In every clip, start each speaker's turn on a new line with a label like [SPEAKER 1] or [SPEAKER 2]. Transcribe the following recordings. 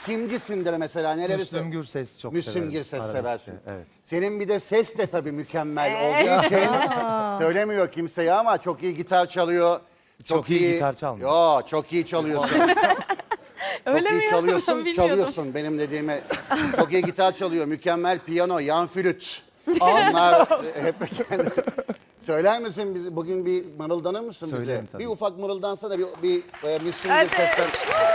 [SPEAKER 1] Kimcisindir mesela? Neleri
[SPEAKER 2] Müslüm Gürses çok
[SPEAKER 1] Müslüm
[SPEAKER 2] severim.
[SPEAKER 1] Gürses
[SPEAKER 2] Arabesk,
[SPEAKER 1] seversin.
[SPEAKER 2] evet.
[SPEAKER 1] Senin bir de ses de tabii mükemmel olduğu için söylemiyor kimseye ama çok iyi gitar çalıyor.
[SPEAKER 2] Çok iyi gitar çalmıyor.
[SPEAKER 1] Yo, çok iyi çalıyorsun.
[SPEAKER 3] Öyle
[SPEAKER 1] Çok
[SPEAKER 3] mi
[SPEAKER 1] iyi
[SPEAKER 3] ya?
[SPEAKER 1] çalıyorsun,
[SPEAKER 3] Bilmiyordum.
[SPEAKER 1] çalıyorsun benim dediğime. Çok iyi gitar çalıyor, mükemmel piyano, yan flüt. Onlar hep Söyler misin bize? Bugün bir mırıldanır mısın
[SPEAKER 2] Söylerim
[SPEAKER 1] bize?
[SPEAKER 2] tabii.
[SPEAKER 1] Bir ufak mırıldansa da bir Müslüm
[SPEAKER 3] Hadi.
[SPEAKER 1] Gürses'ten.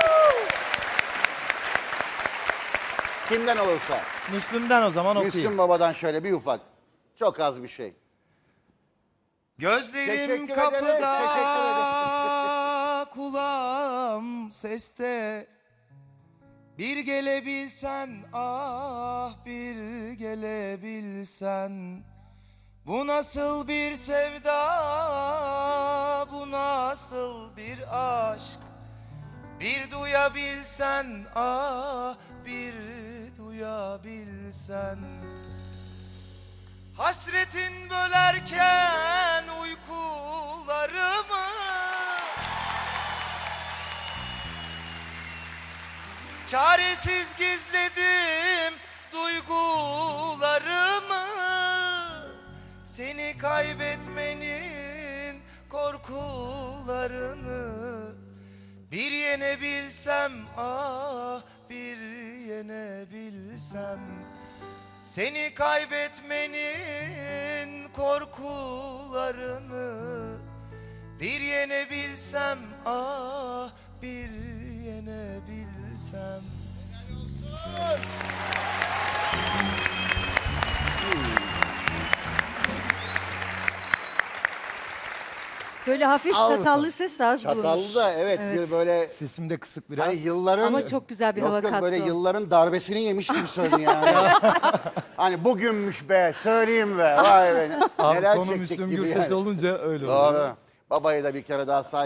[SPEAKER 1] Kimden olursa.
[SPEAKER 2] Müslüm'den o zaman okuyayım.
[SPEAKER 1] Müslüm Baba'dan şöyle bir ufak. Çok az bir şey.
[SPEAKER 2] Gözlerim
[SPEAKER 1] Teşekkür ederiz,
[SPEAKER 2] kapıda,
[SPEAKER 1] teşekkür
[SPEAKER 2] kulağım seste. Bir gelebilsen, ah bir gelebilsen. Bu nasıl bir sevda, bu nasıl bir aşk. Bir duyabilsen, ah bir duyabilsen. Hasretin bölerken uykularımı, çaresiz gizledim duygularımı. Seni kaybetmenin korkularını bir yenebilsem, ah bir yenebilsem. Seni kaybetmenin korkularını bir yenebilsem, ah bir yenebilsem.
[SPEAKER 3] Böyle hafif
[SPEAKER 1] Al.
[SPEAKER 3] çatallı ses de az bulunur.
[SPEAKER 1] Çatallı da evet, bir böyle
[SPEAKER 2] Sesim de kısık biraz.
[SPEAKER 1] hani yılların...
[SPEAKER 3] Ama çok güzel bir hava
[SPEAKER 1] yok,
[SPEAKER 3] kattı
[SPEAKER 1] böyle
[SPEAKER 3] o.
[SPEAKER 1] yılların darbesini yemiş gibi söyledi yani. Hani bugünmüş be, söyleyeyim be. Vay be.
[SPEAKER 2] Abi
[SPEAKER 1] Neler
[SPEAKER 2] konu
[SPEAKER 1] çektik
[SPEAKER 2] Müslüm
[SPEAKER 1] gibi
[SPEAKER 2] Gürses
[SPEAKER 1] yani.
[SPEAKER 2] olunca öyle oluyor.
[SPEAKER 1] Doğru. Babayı da bir kere daha